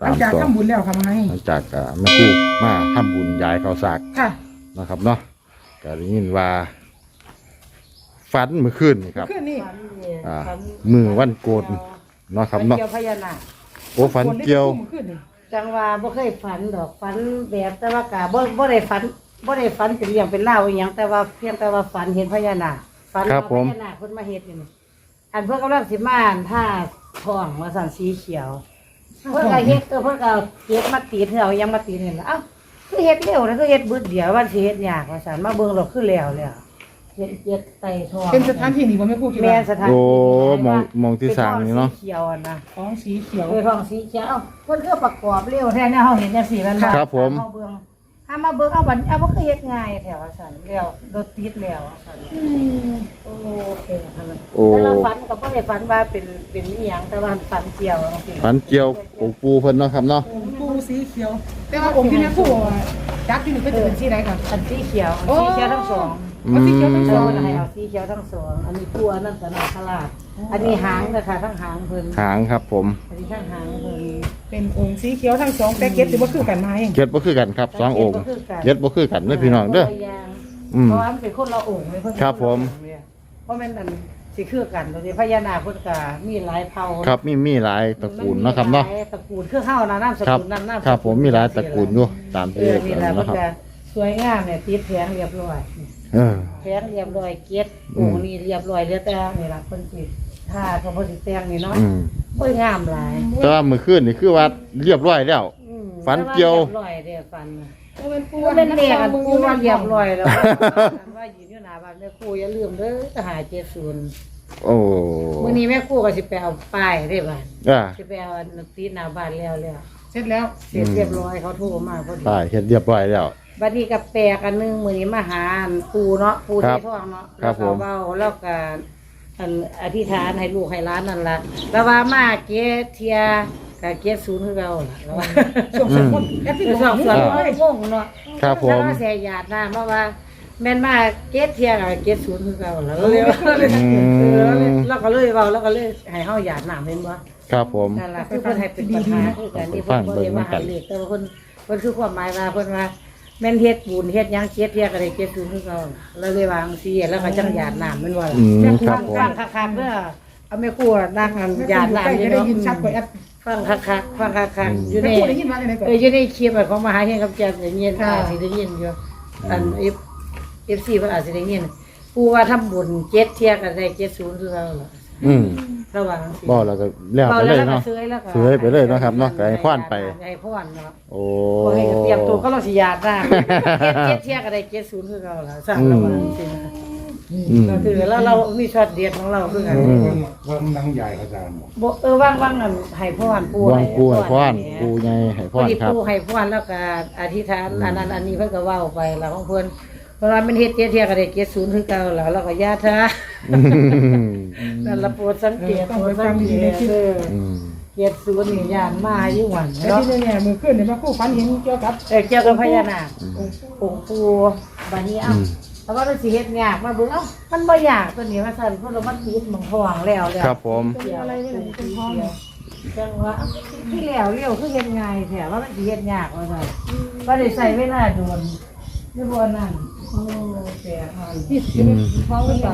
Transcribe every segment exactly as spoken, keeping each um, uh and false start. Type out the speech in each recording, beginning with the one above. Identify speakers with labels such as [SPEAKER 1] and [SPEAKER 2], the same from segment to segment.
[SPEAKER 1] ลังจากทำบุญแล้วค่ะมาให้
[SPEAKER 2] หลังจากแม่กู้มาทำบุญย้ายข้าวสาก
[SPEAKER 1] ค่ะ
[SPEAKER 2] นะครับเนาะก็ได้ยินว่าฝันเมื่อคืนนี่ครับ
[SPEAKER 1] ขึ้นนี่
[SPEAKER 2] อ่ามือวันโกนเนาะครับเนาะ
[SPEAKER 3] เกี่ยวพญานาค
[SPEAKER 2] โอ้ฝันเกี่ยว
[SPEAKER 1] ขึ้นนี่
[SPEAKER 3] จังว่าบ่เคยฝันดอกฝันแบบแต่ว่ากะบ่บ่ได้ฝันบ่ได้ฝันเป็นเรื่องเป็นเล่าวอีหยังแต่ว่าเพียงแต่ว่าฝันเห็นพญานาคฝันว่าพญานาคเพิ่นมาเฮ็ดนี่ อันเพิ่นกำลังสิมาอันท่าทองว่าสั่นสีเขียว เพิ่นก็เฮ็ดเออเพิ่นก็เฮ็ดมาตีเฮือเอายังมาตีนี่ล่ะเอ้าคือเฮ็ดเร็วนะคือเฮ็ดบึดเดียววันสิเฮ็ดยากว่าสั่นมาเบิ่งแล้วคือแล้วแล้วเฮ็ดเฮ็ดไต่ทอง
[SPEAKER 1] เป็นสถานที่นี่บ่แม่พูดกี่
[SPEAKER 3] แม่
[SPEAKER 1] ว่า
[SPEAKER 3] สถาน
[SPEAKER 2] โอ้
[SPEAKER 3] ที่
[SPEAKER 2] มองมองที่สร้างนี่เนาะ
[SPEAKER 3] ป็ทองสีเขียวอะนะ
[SPEAKER 1] ของสีเขียว
[SPEAKER 3] เออทองสีเขียวเอ้าเพิ่นคือประกอบเร็วแท้เนี่ยเฮาเห็นจังซี่มันบ่
[SPEAKER 2] ครับผม
[SPEAKER 3] เฮาเบิ่งถ้ามาเบิ่งเอาบัดเอาบ่คือเฮ็ดง่ายแถวว่าซั่นแล้วรถติดแล้วว่าซั่นโอ้เป็นอันนั้น
[SPEAKER 2] โอ้
[SPEAKER 3] แต่เราฝันก็บ่ได้ฝันว่าเป็นเป็นอีหยังแต่ว่าฝันเกี่ยวจังซี่
[SPEAKER 2] ฝันเกี่ยวองค์ปูเพิ่นเนาะครับเนาะ
[SPEAKER 1] ปูสีเขียว แต่ว่าองค์ที่แม่พูดจักที่นี่ก็จะเป็นสีไหนค่ะ
[SPEAKER 3] อันสีเขียว
[SPEAKER 1] โอ้
[SPEAKER 3] สีเขียวทั้งสอง
[SPEAKER 1] เอาสีเขียวทั้งส
[SPEAKER 3] เอ
[SPEAKER 1] อง
[SPEAKER 3] อให้เอาสีเขียวทั้งสองอันนี้ตัวนั่นก็นาคราชอันนี้หางนะคะทั้งหางเพิ่น
[SPEAKER 2] หางครับผม
[SPEAKER 3] อันนี้ทั้งหางเพิ่น
[SPEAKER 1] เป็นองค์สีเขียวทั้งสองแต่เก็บถือว่าคือกันมาเอง
[SPEAKER 2] เก็ดบ่คือกันครับสององค์เก็ดบ่คือกันเด้อพี่น้องเด้อ อืม
[SPEAKER 3] เพราะว่ามันเป็นคนละองค์เลยเพิ่น
[SPEAKER 2] ครับผม
[SPEAKER 3] เพราะแม่นอันสิคือกันตรงนี้พญานาคเพิ่นก็มีหลายเผ่า
[SPEAKER 2] ครับมีมีหลายตระกูลเนาะครับเนาะ
[SPEAKER 3] หลยตระกูลคือเฮานะนามส
[SPEAKER 2] ครับ
[SPEAKER 3] กุลนั้นนามสกุล
[SPEAKER 2] ครับผมมีหลายตระกูลอยู่ตาม
[SPEAKER 3] เอ
[SPEAKER 2] ที่
[SPEAKER 3] อนี่แหละ
[SPEAKER 2] นะ
[SPEAKER 3] เพิ่น
[SPEAKER 2] ครับ
[SPEAKER 3] ก็สวยงามเนี่ยติดแผงเรียบร้อย
[SPEAKER 2] เออ
[SPEAKER 3] แพงเรียบร้อยเก็ด
[SPEAKER 2] อื
[SPEAKER 3] โอ้
[SPEAKER 2] ม
[SPEAKER 3] นี่เรียบร้อยแล้วแต่นี่ล่ะเพิ่นสิถ้าเขาบ่สิแต่งนี่เนาะ
[SPEAKER 2] อืม
[SPEAKER 3] โอ้ยงามหลาย
[SPEAKER 2] แต่ว่ามื้อคืนนี่คือว่าเรียบร้อยแล้ว
[SPEAKER 3] อืม
[SPEAKER 2] ฝันเกี่ยว
[SPEAKER 3] แต่าเรียบร้อยเด้อฝันน่ะ
[SPEAKER 1] เป็นปู
[SPEAKER 3] ปูเป็นเด็กอันปูว่าเรียบร้อยแล้วอันว่ายืนอยู่หน้าบ้านแม่ครูอย่าลืมเด้อทหารเจ็ดศูนย์
[SPEAKER 2] โอ้
[SPEAKER 3] มื้อนี้แม่ครูก็สิไปเอาป้ายได้บ้าน
[SPEAKER 2] อ่า
[SPEAKER 3] สิไปเอาอันติดหน้าบ้านแล้วแล้ว
[SPEAKER 1] เสร็จแล้ว
[SPEAKER 3] เสร็จเรียบร้อยเขาโทรมาพอดี
[SPEAKER 2] ป้ายเฮ็ดเรียบร้อยแล้ว
[SPEAKER 3] บัดนี้ก็แปลกอันหนึงมื้อนี้มาหาอันปูเนาะปู
[SPEAKER 2] ครั
[SPEAKER 3] ที่
[SPEAKER 2] บ
[SPEAKER 3] ท้องเนาะ
[SPEAKER 2] ครับผม
[SPEAKER 3] แล้วก็เว้าแล้วก็อันอธิษฐานให้ลูกให้หลานนั่นล่ะแล้วว่ามาเกตเทียก็เกตศูนย์คือเราล่ะแล้วว่า
[SPEAKER 1] ช่วงสองคนแอปที่
[SPEAKER 3] คือ
[SPEAKER 1] ส
[SPEAKER 3] ส
[SPEAKER 1] อ
[SPEAKER 3] อง ง
[SPEAKER 1] ค
[SPEAKER 3] ส่วน
[SPEAKER 1] น
[SPEAKER 3] ก็งงเนาะ
[SPEAKER 2] ครับผม
[SPEAKER 3] แล้วก็เสียหยาดน้ำเพราะว่าแม่นมาเกตเทียกับเกตศูนย์คือเราแล้วเลยเออแล้วก็เลยเว้าแล้วก็เลยให้เฮาหยาดน้ำเห็นบ่
[SPEAKER 2] ครับผม
[SPEAKER 3] นั่นล่ะคือเพิ่นให้เป็นประธานคือกันนี่เพิ่นบ่ได้ว่าให้เลขแต่ว่าเพิ่นเพิ่นคือความหมายว่าเพิ่นว่าแม่นเฮ็ดบุญเฮ็ดหยังเกตเทียก็ได้เกตศูนย์คือเราแล้วเลยวางซี่แล้วก็จังหยาดน้ำแม่นบ่ล่ะ
[SPEAKER 2] อืมครับผม
[SPEAKER 3] ฟังคักๆเด้อเอาแม่ครัวนั่งอันหยาดน้ำ
[SPEAKER 1] จะ
[SPEAKER 3] อยู่
[SPEAKER 1] ได้
[SPEAKER 3] เนาะ
[SPEAKER 1] ยินชัดกว่าแอป
[SPEAKER 3] ฟังคักๆฟังคักๆอยู่
[SPEAKER 1] แม่
[SPEAKER 3] ใน
[SPEAKER 1] พูดได้ยินมาจากไหนก่อน
[SPEAKER 3] เอออยู่ในคลิปอะของมหาเฮงกับแจมได้ยินอาจสิได้ยินอยู่อันเอฟเอฟซีเพิ่นอาจสิได้ยินปูว่าทำบุญเจ็ดเที่ยก็ได้เจ็ดศูนย์คือเราล่ะ
[SPEAKER 2] อืม
[SPEAKER 3] ระหว่างสิ
[SPEAKER 2] บ่แล้วก็แล้วไปเลยเนาะ
[SPEAKER 3] เซื้อแล้วก็
[SPEAKER 2] เซื้อไปเลยเนาะครับเนาะก็ให้พรไป
[SPEAKER 3] ให้พรเนาะ
[SPEAKER 2] โอ้
[SPEAKER 3] บ่ให้เตรียมตัวก็เราสิญาตินะเจ็ดเที่ยก็ได้เจ็ดศูนย์คือเราล่ะสั่งระหว่างสินะ
[SPEAKER 2] อืม
[SPEAKER 3] คือแล้วเรามีช็อตเด็ดของเราคือกัน
[SPEAKER 2] อืม
[SPEAKER 4] ว่านังใหญ่อาจารย์บอก
[SPEAKER 3] บ่เออว่างๆนั่นให้พรปู
[SPEAKER 2] วางปูให้พร
[SPEAKER 3] ให้
[SPEAKER 2] ปูใหญ่ให้พ
[SPEAKER 3] พอ
[SPEAKER 2] ร
[SPEAKER 3] ดี
[SPEAKER 2] ครับ
[SPEAKER 3] ปูให้พรแล้วก็อธิษฐานอันนั้นอันนี้เพิ่นก็เว้าไปแล้วของเพิ่นเพราะว่ามันเฮ็ดเจ็ดเที่ยก็ได้เจ็ดศูนย์คือเก่าแล้วเราก็ญาติ
[SPEAKER 2] อืม
[SPEAKER 3] นั่นละโปรดสังเกตโปรดสังเกตเด้อ
[SPEAKER 2] อืม
[SPEAKER 3] เจ็ดศูนย์นี่ย่านมาอยู่หวัน
[SPEAKER 1] แต่
[SPEAKER 3] เนาะ
[SPEAKER 1] ที่เนี่ยมือขึ้นเนี่ยมาคู่ฟันเห็นเกี่ยวกับ
[SPEAKER 3] เออเกี่ยวกับพญานาคองค์ปู่บัดนี้เอ้าแล้วว่ามันสิเฮ็ดยากมาเบิ่งเอ้ามันบ่ยากตัวนี้ว่าซั่นเพราะเรามันติดหมองท้องแล้วแล้ว
[SPEAKER 2] ครับผม
[SPEAKER 1] เป็นอะไรไม่รู้เป็นห้อง
[SPEAKER 3] จังว่าที่แล้วเลี้ยวคือเฮ็ดง่ายแท้ว่ามันสิเฮ็ดยากว่าซั่นบ่ได้ใช้เวลาโดนนี่บ่นั่นโอ้แต่ฮอน
[SPEAKER 1] ที่
[SPEAKER 2] อืม
[SPEAKER 1] ห้องหรือเปล่า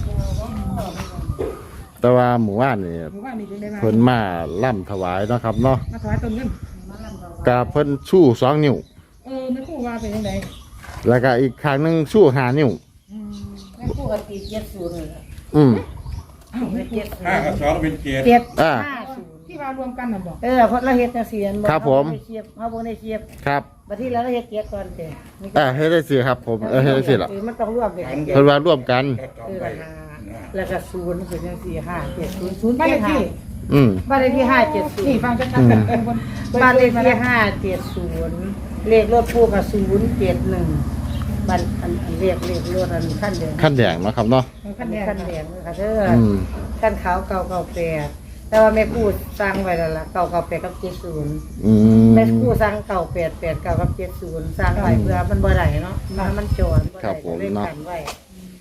[SPEAKER 2] แต่ว่าหมู่บ้านนี่
[SPEAKER 1] หมู่บ้านนี่จึงได้มา
[SPEAKER 2] เพิ่นมาล่ำถวายเนาะครับเนาะ
[SPEAKER 1] มาถวายต้นเงิน
[SPEAKER 2] กะเพิ่นชู้สองนิ้ว
[SPEAKER 1] เออแม่คู่ว่าเป็นยังไง
[SPEAKER 2] แล้วก็อีกข้างหนึงชู้ห้านิ้ว
[SPEAKER 3] แม่ปู่ก็ตีเจ็ดศูนย์นี่ล่ะ
[SPEAKER 2] อืม
[SPEAKER 3] เจ็ดศูน
[SPEAKER 4] ห้า
[SPEAKER 3] ย์
[SPEAKER 4] กับสองเป็นเจ็ด
[SPEAKER 3] เจ็ด
[SPEAKER 2] อ่า
[SPEAKER 3] ห้าศูนย์
[SPEAKER 1] ที่ว่ารวมกันน่ะบอก
[SPEAKER 3] เออเพราะเราเฮ็ดจังซี่อัน
[SPEAKER 2] ครับผม
[SPEAKER 3] เฮาบ่ได้เทียบเฮาบ่ได้เทียบ
[SPEAKER 2] ครับ
[SPEAKER 3] บัดที่แล้วเราเฮ็ดเจ็ดก่อนเด้นี่ก็
[SPEAKER 2] อ่าให้ได้สิครับ ผมเออให้ได้สิล่ะ
[SPEAKER 3] เออมันต้องรวมเด็ก
[SPEAKER 2] เพิ่นว่าร่วมกัน
[SPEAKER 4] ก็ต่อ
[SPEAKER 3] คือ
[SPEAKER 4] ไป
[SPEAKER 3] ละห้าแล้วก็ศูนย์เป็นจังซี่ห้าเจ็ดศูนย์ศูนย์
[SPEAKER 1] บ้านเลขที่
[SPEAKER 2] อืม
[SPEAKER 3] บ้านเลขที่ห้าเจ็ดศูน
[SPEAKER 1] นี่
[SPEAKER 3] ย์
[SPEAKER 1] ฟังชัดๆกันเออบน
[SPEAKER 3] บ้านเลขที่ห้าเจ็ดศูนย์เลขรถปู่ก็ศูนย์เจ็ดหนึ่งบ้านอันอันเลขเลขรถอันขั้นแดง
[SPEAKER 2] ขั้นแดงเนาะครับเนาะ
[SPEAKER 3] ขั้น
[SPEAKER 1] ขั้น
[SPEAKER 3] แด
[SPEAKER 1] แด
[SPEAKER 3] ง
[SPEAKER 1] ง
[SPEAKER 3] ขั้นแดงค่ะเด้อ
[SPEAKER 2] อืม
[SPEAKER 3] ขั้นขาวเก่าเก่าแปดแต่ว่าแม่ปู่สร้างไว้แล้วล่ะเก่าเก่าแปดกับเจ็ดศูนย์
[SPEAKER 2] อืม
[SPEAKER 3] แม่ปู่สร้างเก่าแปดแปดเก่ากับเจ็ดศูนย์สร้างไว้เพื่อมันบ่ได้เนาะมันมันโจรบ่
[SPEAKER 2] ครั
[SPEAKER 3] ได้
[SPEAKER 2] บผม
[SPEAKER 3] เล่น
[SPEAKER 2] เนาะ
[SPEAKER 3] กันไว้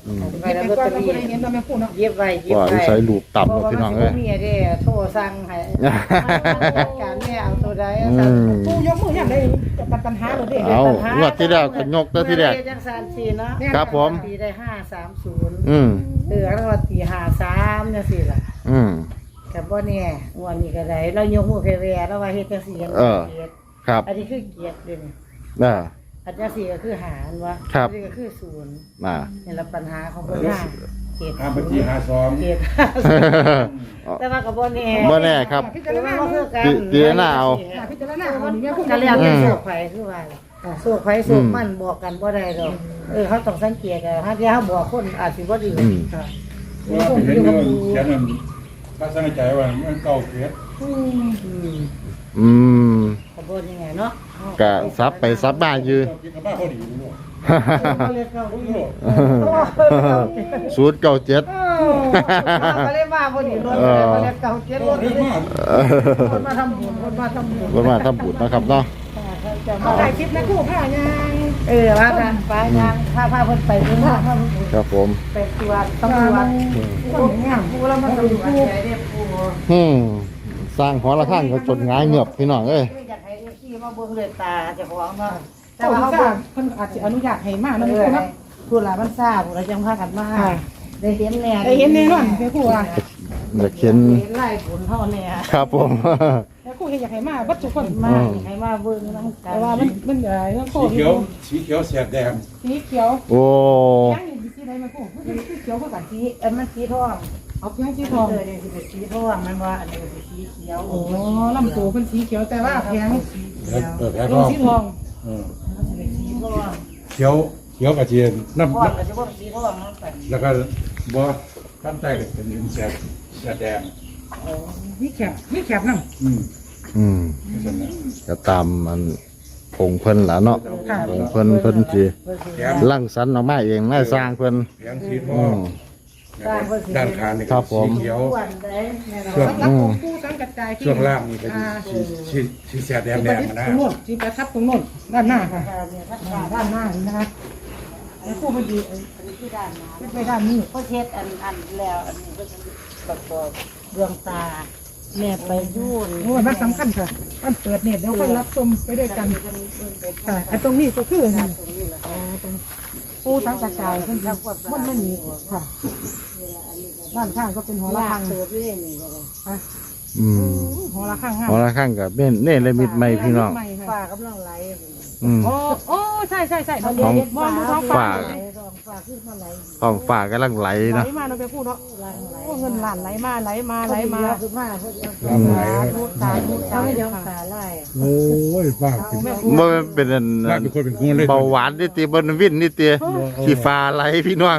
[SPEAKER 2] อืม
[SPEAKER 3] ไป
[SPEAKER 1] เก็บ
[SPEAKER 3] แล้ว
[SPEAKER 1] ไป
[SPEAKER 3] ลอต
[SPEAKER 1] ก่อน
[SPEAKER 3] เตอ
[SPEAKER 1] เรา
[SPEAKER 3] รี่
[SPEAKER 1] บ่ได้เห็นเราแม่พูดเนาะ
[SPEAKER 3] เย็บไว้เย็บ
[SPEAKER 2] ว่า
[SPEAKER 3] ไว้
[SPEAKER 2] ใช้ลูกต่ำ
[SPEAKER 3] เพราะ
[SPEAKER 2] เนาะ
[SPEAKER 3] ว่า
[SPEAKER 2] พี่น้อง
[SPEAKER 3] มัน
[SPEAKER 2] เอ้ย
[SPEAKER 3] สิบ่มีไอ้เด้โทรสั่งให้จัดการแม่เอาตัวใด
[SPEAKER 2] อื
[SPEAKER 3] สั่ง
[SPEAKER 2] ม
[SPEAKER 1] ปูยกมืออย่างไรจะตัดปัญหาเลยเด้
[SPEAKER 2] เอางวดที่แล้วก็ยกตัวที่แรก
[SPEAKER 3] จังสามสี่เนาะ
[SPEAKER 2] ครับผม
[SPEAKER 3] ตีได้ห้าสามศูนย์
[SPEAKER 2] อืม
[SPEAKER 3] เออแล้วว่าตีห้าสามจังซี่ล่ะ
[SPEAKER 2] อืม
[SPEAKER 3] ก็บ่แน่งวดนี้ก็ได้เรายกมือแผ่ๆแล้วว่าเฮ็ดจังซี่กัน
[SPEAKER 2] เออ
[SPEAKER 3] เกียรติ
[SPEAKER 2] ครับ
[SPEAKER 3] อันนี้คือเกียรติเด้นี่
[SPEAKER 2] น่ะ
[SPEAKER 3] อันจังซี่ก็คือหารวะ
[SPEAKER 2] ครับ
[SPEAKER 3] อันนี้ก็คือศูนย์
[SPEAKER 2] น่ะ
[SPEAKER 3] นี่ละปัญหาของเพิ่นว่าเกียรติ
[SPEAKER 4] ห้าบัญชีห้าสอง
[SPEAKER 3] เกียรติแต่ว่าก็บ่แน่
[SPEAKER 2] บ่แน่ครับ
[SPEAKER 1] พิ
[SPEAKER 3] แต่
[SPEAKER 1] จาร
[SPEAKER 3] ว่า
[SPEAKER 1] ณา
[SPEAKER 3] บ่คือกัน
[SPEAKER 2] ตีตีหน้าเอา
[SPEAKER 1] พิจารณาเอานี่แม่พูด
[SPEAKER 3] ก็
[SPEAKER 1] กัน
[SPEAKER 3] แล้ว
[SPEAKER 1] แล้ว
[SPEAKER 3] แต่
[SPEAKER 2] อืม
[SPEAKER 3] โศกไผคือว่าโศกไผโศกมันบอกกันบ่ได้ดอกเออเขาต้องสังเกตกันถ้าที่เขาบอกคนอาจสิบ่ดี
[SPEAKER 2] อืม
[SPEAKER 3] ค่ะ
[SPEAKER 4] ว่าเห็นเงินเขียนมันถ้าสังใจว่ามันเก่าเกียรติ
[SPEAKER 3] อืม
[SPEAKER 2] อืม
[SPEAKER 3] ก็บ่ยังไงเนาะ
[SPEAKER 2] ก็ซับไปซับมาอยู่
[SPEAKER 4] กินกับบ้าพอดีรู้
[SPEAKER 3] เขาเรียกเขา
[SPEAKER 4] รู้
[SPEAKER 3] รู้
[SPEAKER 2] ศูนย์เก้าเจ็ด
[SPEAKER 3] เขาเรียกว่าพอดีรถเขาเรียกเก่าเจ็ดรถ
[SPEAKER 4] รู้มาก
[SPEAKER 3] คนมาทำบุญคนมาทำบุญ
[SPEAKER 2] วันมาทำบุญนะครับเนาะ
[SPEAKER 3] จะ
[SPEAKER 1] เอา
[SPEAKER 3] มา
[SPEAKER 1] ถ่ายคลิปนะคู่ผ้ายาง
[SPEAKER 3] เออว่าทางไปทางพาพาเพิ่นไปเพิ่นพาพาเพิ่น
[SPEAKER 2] ครับผม
[SPEAKER 3] ไปตรวจตำรวจ
[SPEAKER 1] คนงาม
[SPEAKER 3] ผู้แล้วมาตำรวจใหญ่เรียกผู้
[SPEAKER 2] อืมสร้างหอระฆังก็จนง่ายเงือบพี่น้องเอ้ย
[SPEAKER 3] อยากให้เอฟซีมาเบิ่งเลยตาเจ้าของเนาะแต่
[SPEAKER 1] เจ้า
[SPEAKER 3] ว่า
[SPEAKER 1] เขา
[SPEAKER 3] เขา
[SPEAKER 1] บอ
[SPEAKER 3] เบิ่
[SPEAKER 1] ก
[SPEAKER 3] ง
[SPEAKER 1] เพิ่นอาจจะอนุญาตให้มาก
[SPEAKER 3] เอ
[SPEAKER 1] นะ
[SPEAKER 3] อ
[SPEAKER 1] แม่พูดเนาะ
[SPEAKER 3] ผู้หลานมันทราบผู้หลานจังพากันมาได้เห็นแน่
[SPEAKER 1] ได้เห็นแน่นอนแม่พูดว่า
[SPEAKER 2] อยากเห็น
[SPEAKER 3] ไล่ผลเท่าแน่
[SPEAKER 2] ครับผม
[SPEAKER 1] แม่พูดอยากให้มาบัดทุกคน
[SPEAKER 3] มาให้มาเบิ่งนำกั
[SPEAKER 1] แต่ว่ามันมันเอ่อเรื่องโค
[SPEAKER 4] สี
[SPEAKER 1] วิด
[SPEAKER 4] เขียวสีเขียวแสบแดง
[SPEAKER 1] สีเขียว
[SPEAKER 2] โอ้
[SPEAKER 1] ยังอยู่สีใดแม่พูดมันสีเขียวเท่ากัน
[SPEAKER 3] สีอันมันสีทอง
[SPEAKER 1] เอาเพียงสีทอง
[SPEAKER 3] เออนี่สิเป็นสีทองมันว่าอันนี้เป็นสีเขียว
[SPEAKER 1] โอ้ลำตัวเป็นสีเขียวแต่ว่าเพียง
[SPEAKER 4] เปิดแผล
[SPEAKER 1] ตั
[SPEAKER 4] ท้
[SPEAKER 1] ว
[SPEAKER 4] อง
[SPEAKER 1] สีทอง
[SPEAKER 3] มันสิเป็นสีทอง
[SPEAKER 4] เขียวเขียวกระเทียมน้ำ
[SPEAKER 3] ทองก็สิบ่สีทองนั่นไป
[SPEAKER 4] แล้วก็บ่ข้างใต้ก็เป็นแสบแสบแดง
[SPEAKER 1] มีแคบมีแคบนั่ง
[SPEAKER 4] อืม
[SPEAKER 2] อืม
[SPEAKER 4] นั่นแหละ
[SPEAKER 2] ก็ตามมันผงเพิ่นล่ะเนาะผงเพิ่นเพิ่นสิ
[SPEAKER 4] แถม
[SPEAKER 2] ลั่งสรรค์ออกมาเองน่าสร้างเพิ่น
[SPEAKER 4] แผงสีท
[SPEAKER 2] อื
[SPEAKER 4] อง
[SPEAKER 2] ม
[SPEAKER 4] ด้านข้างนี่
[SPEAKER 2] ครั
[SPEAKER 4] ก็
[SPEAKER 2] บผม
[SPEAKER 4] สีเขียว
[SPEAKER 3] อ้วนได้แน่นอน
[SPEAKER 4] ช่วง
[SPEAKER 1] สำหรับของผู้สังกัดใจที่
[SPEAKER 4] ช่วงล่างนี่ก็
[SPEAKER 1] อ่า
[SPEAKER 4] สีสีสีแสบแดง
[SPEAKER 1] ที่
[SPEAKER 4] แด
[SPEAKER 1] ประ
[SPEAKER 4] ง
[SPEAKER 1] ดิษฐ์
[SPEAKER 4] นะ
[SPEAKER 1] ตรงโน้นที่ประทับตรงโน้นด้านหน้าค่ะ
[SPEAKER 3] เนี่ยถ้า
[SPEAKER 1] อ่าด้านหน้านี่นะคะแล้วผู้มาดี
[SPEAKER 3] อันนี้คือด้านหน้า
[SPEAKER 1] ขึ้นไปด้านนี้
[SPEAKER 3] ก็เช็ดอันอันแล้วอันนี้ก็จะประกอบดวงตาแม่ไปยุ่น
[SPEAKER 1] โอ้ยมันสำคัญค่ะมันเปิดเน็ตเดี๋ยวค่อยรับชมไปด้วยกันค่ะไอ้ตรงนี้ก็คือนี่อ๋อตรงผู้สังกัดใจเพิ่นมันไม่มีค่ะด้านข้างก็เป็นหอระ
[SPEAKER 3] ลา
[SPEAKER 1] ฆั
[SPEAKER 3] ก
[SPEAKER 1] ง
[SPEAKER 3] เติบเรื่อยนี่ก็เลย
[SPEAKER 2] อืม
[SPEAKER 1] หอระฆังห้า
[SPEAKER 2] หอระฆังกับเน่เน่ละมิดใหม่พี่น้อง
[SPEAKER 3] ฝ้ากำลังไหล
[SPEAKER 2] อืม
[SPEAKER 1] โอ้โอ้ใช่ใช่ใช่
[SPEAKER 2] ของ
[SPEAKER 1] มองดูท้อง
[SPEAKER 2] ฝา
[SPEAKER 1] ฟ้า
[SPEAKER 3] ท้องฟ้าขึ้นมาไหล
[SPEAKER 2] ห้องฝ่ากำลังไหล
[SPEAKER 1] ไหล
[SPEAKER 2] เนาะ
[SPEAKER 1] มาเราไปพูดเนาะ
[SPEAKER 3] ไหลไหล
[SPEAKER 1] โอ้เงินหลานไหลมาไหลมาไหลมา
[SPEAKER 3] ขึ้นมาเพื่อ
[SPEAKER 4] ลำไหล
[SPEAKER 1] พูดตาพูด
[SPEAKER 3] เขา
[SPEAKER 1] ตา
[SPEAKER 3] ไม่ยอมตาไล่
[SPEAKER 4] โอ้ยป้าเป็น
[SPEAKER 2] บ่เป็นอัน
[SPEAKER 4] ป้าเป็นคนเป็นคนเลย
[SPEAKER 2] เบาหวานนี่ติบนวินนี่ติขี้ฟ้าไหลพี่น้อง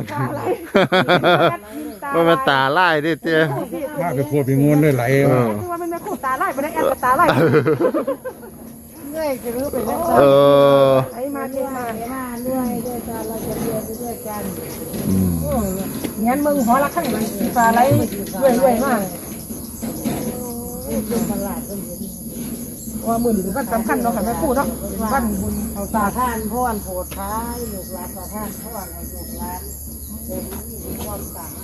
[SPEAKER 2] บ่มันตาลายนี่ติ
[SPEAKER 4] ป้าเป็นคนเป็นงนเลยไหล
[SPEAKER 2] เออ
[SPEAKER 1] คือว่ามันไม่คู่ตาไล่ไปได้แอบตาไล่
[SPEAKER 3] เรื่อยจะรู้ไปแล้ว
[SPEAKER 2] เออ
[SPEAKER 1] ไหลมาเทมา
[SPEAKER 3] มาเรื่อยด้วยกันเราจะเรียนไปด้วยกัน
[SPEAKER 2] อืม
[SPEAKER 1] เงี้ยมึงหอระฆังสีฟ้าไหลด้วยด้วยมาก
[SPEAKER 3] เป็นตลาดเป็น
[SPEAKER 1] ว่ามือถือวันสำคัญเนาะค่ะแม่พูดเนาะวันบุญเอา
[SPEAKER 3] สา
[SPEAKER 1] ตา
[SPEAKER 3] ท่านพ่อนโผดท้ายลูกหลานสาท่านพ่อนให้ลูกหลานเป็นมีความต่าง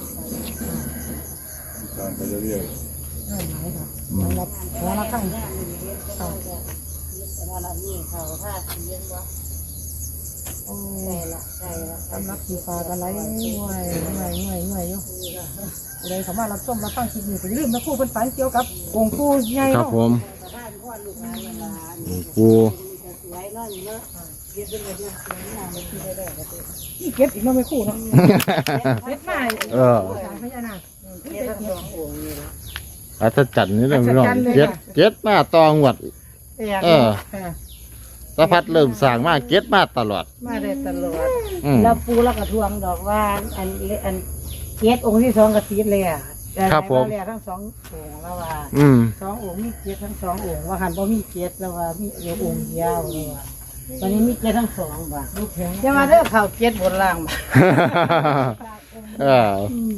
[SPEAKER 4] ไปเรื่อย
[SPEAKER 1] ไหลค่ะรับหอระฆัง
[SPEAKER 3] เขาแต่ละนี่เขาท่าเสียงวะ
[SPEAKER 1] โอ้
[SPEAKER 3] ใช่ละใช่ละ
[SPEAKER 1] สำหรับสีฟ้าก็ไหลง่วยง่วยง่วยง่วยอยู่เลยสามารถรับชมรับฟังคลิปนี้ไปลืมนะพูดเป็นฝันเกี่ยวกับองค์ปู่ใหญ่
[SPEAKER 2] ครับ
[SPEAKER 1] เนาะ
[SPEAKER 2] ผม
[SPEAKER 3] ท่านพ่อนลูกหลานหลาน
[SPEAKER 2] ปู
[SPEAKER 3] สวยนั่นเนาะเย็นเป็นเรื่องสวยงามไม่คิดได้ได้ก็
[SPEAKER 1] นี่เก็บอีกเนาะไม่คู่เนาะเก็บมา
[SPEAKER 2] เออ
[SPEAKER 1] สางพญานาค
[SPEAKER 3] เย็นทั้งสององค์นี่ละ
[SPEAKER 2] อัศจรรย์นี่เลยพี่น้องเจ็ดเจ็ดมาตองหวด เออ
[SPEAKER 1] ค่ะ
[SPEAKER 2] สะพัดเริ่มสร้างมาเก็ดมาตลอด
[SPEAKER 3] มาได้ตลอด
[SPEAKER 2] อืม
[SPEAKER 3] แล้วปูแล้วก็ทวงดอกว่าอันอันเจ็ดองค์ที่สองกระติดเลยอ่ะแล้วทั้งสององค์แล้วว่า
[SPEAKER 2] อืม
[SPEAKER 3] สององค์มีเจ็ดทั้งสององค์ว่าหันบ่มีเจ็ดแล้วว่ามีเอวองค์เดียวแล้วว่าวันนี้มีเจ็ดทั้งสองบ่จะมาเด้อข่าวเจ็ดบนล่างบ่
[SPEAKER 2] เออ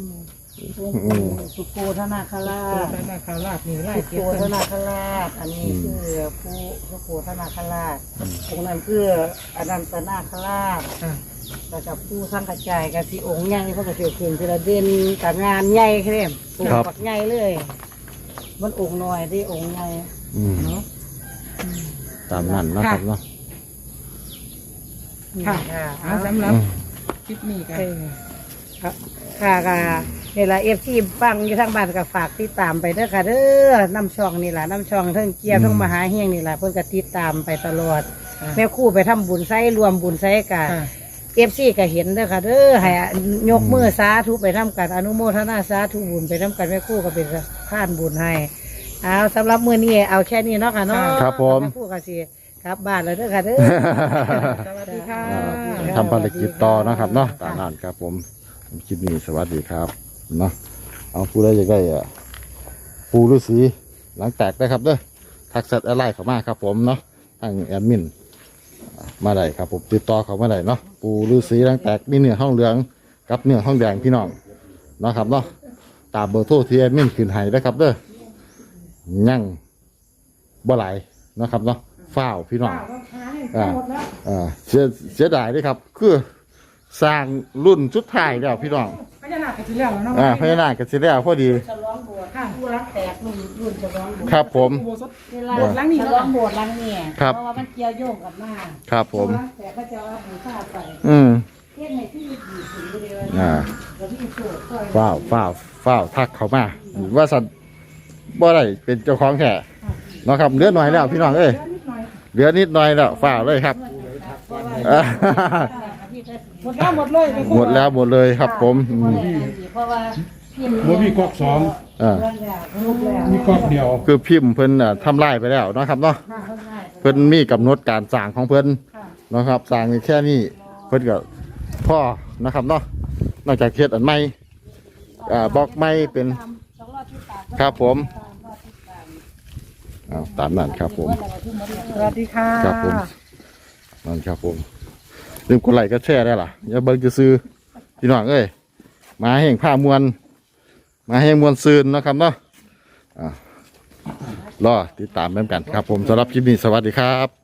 [SPEAKER 3] สุโกธนาครา
[SPEAKER 1] โอ้
[SPEAKER 3] ช
[SPEAKER 1] ธนาคาราชนี่ไล่
[SPEAKER 3] สุ
[SPEAKER 1] เก็
[SPEAKER 3] โก
[SPEAKER 1] บ
[SPEAKER 3] ธ
[SPEAKER 1] กัน
[SPEAKER 3] นาคราชอันนี้คือผู้สุโกธนาคราชองค์นั้นคืออนันตนาคราช
[SPEAKER 1] ค่ะ
[SPEAKER 3] แล้วกับผู้สร้างกระจายกับสีองค์ใหญ่เพราะกระเสือขึ้นทีละเด่นกับงานใหญ่แค่นี้องค์ปักใหญ่เลยมันองค์น้อยที่องค์ใหญ่
[SPEAKER 2] อืม
[SPEAKER 3] เนาะ
[SPEAKER 2] ตามนั้นนะครับเนาะ
[SPEAKER 1] ค่ะ
[SPEAKER 3] ค่ะ
[SPEAKER 1] เอาสำหรับ
[SPEAKER 2] อืม
[SPEAKER 1] คลิปนี้กัน
[SPEAKER 3] เออครับค่ะค่ะนี่แหละเอฟซีฟังอยู่ทางบ้านก็ฝากติดตามไปเด้อค่ะเด้อน้ำช่องนี่แหละน้ำช่องเทั้งเกียร์เทั้งมหาเฮียงนี่แหละเพิ่นก็ติดตามไปตลอดแม่ครู่ไปทำบุญไส้รวมบุญไส้กัน
[SPEAKER 1] ค่ะ
[SPEAKER 3] เอฟซีก็เห็นเด้อค่ะเด้อให้ยกมือสาธุไปทำกันอนุโมทนาสาธุบุญไปทำกันแม่ครู่ก็เป็นข้านบุญให้เอาสำหรับมื้อนี้เอาแค่นี้เนาะค่ะเนาะ
[SPEAKER 2] ครับผม
[SPEAKER 3] แม่ครู่ก็สิกลับบ้านแล้วเด้อค่ะเด้อ
[SPEAKER 1] สวัสดีค่ะ
[SPEAKER 2] ทำภารกิจต่อนะครับเนาะตามนั้นครับผมคลิปนี้สวัสดีครับเนาะเอาผู้ใดอยากได้อะปูฤาษีหลังแตกได้ครับเด้อทักแชทอะไรเข้ามาครับผมเนาะทางแอดมินมาได้ครับผมติดต่อเขามาได้เนาะปูฤาษีหลังแตกมีเนื้อห้องเหลืองกับเนื้อห้องแดงพี่น้องเนาะครับเนาะตามเบอร์โทรที่แอดมินขึ้นให้ได้ครับเด้อยั่งบ่ไหลายเนาะครับเนาะฝ้าวพี่น้อง อ่าอ่าเสียเสียดายด้วยครับ คือสร้างรุ่นชุดไทายแล้วพี่น้อง
[SPEAKER 1] พญานาคกันทีแล้วเนาะ
[SPEAKER 2] อ่าพญานาคกันสิแล้วพอดี
[SPEAKER 3] ฉลองโบสถ์ค่ะผู้รักแตกรุ่นรุ่นฉลองโบสถ์
[SPEAKER 2] ครับผม
[SPEAKER 1] อุโบสถ
[SPEAKER 3] เวลา
[SPEAKER 1] โบสถ์หลังนี้
[SPEAKER 3] ฉ
[SPEAKER 1] เนาะ
[SPEAKER 3] ลองโบสถ์หลังเนี่ย
[SPEAKER 2] ครับ
[SPEAKER 3] เพราะว่ามันเกี่ยวโยงกันมาก
[SPEAKER 2] ครับผม
[SPEAKER 3] ผู้รักแตกพระเจ้าเอาบูชาไป
[SPEAKER 2] อืม
[SPEAKER 3] เทียนให้ที่ดีถึงเดียว
[SPEAKER 2] อ่า
[SPEAKER 3] แล้วที่โสดซอย
[SPEAKER 2] ฝ้าวฝ้าวฝ้าวทักเขามาว่าสันบ่ได้เป็นเจ้าของแค่เนาะครับเหลือหน่อยแล้วพี่น้องเอ้ย
[SPEAKER 1] นิดหน่อย
[SPEAKER 2] เหลือนิดหน่อยแล้วฝ้าวเลยครับอ่า
[SPEAKER 1] หมดแล้วหมดเลยไป
[SPEAKER 2] หมดแล้วหมดเลยครับผมอืม
[SPEAKER 3] เพราะว่า
[SPEAKER 4] บ่มีก๊อกสอง
[SPEAKER 2] อ่า
[SPEAKER 3] ลูกแล้ว
[SPEAKER 4] มีก๊อกเดียว
[SPEAKER 2] คือพิมพ์เพิ่นอ่ะทำลายไปแล้วเนาะครับเนาะเพิ่นมีกำหนดการสร้างของเพิ่นเนาะครับสร้างแค่นี้เพิ่นก็พ่อนะครับเนาะนอกจากเฮ็ดอันใหม่อ่าบล็อกใหม่เป็นครับผมเอาตามนั้นครับผม
[SPEAKER 1] สวัสดีค่ะ
[SPEAKER 2] ครับผมนั่นครับผมลืมกดไลค์ก็แชร์ได้ล่ะอย่าเบิ่งจะซื้อๆพี่น้องเอ้ยมาแห่งผ้ามวลมาแห่งมวลซืนเนาะครับเนาะอ่ารอติดตามเหมือนกันครับผมสำหรับคลิปนี้สวัสดีครับ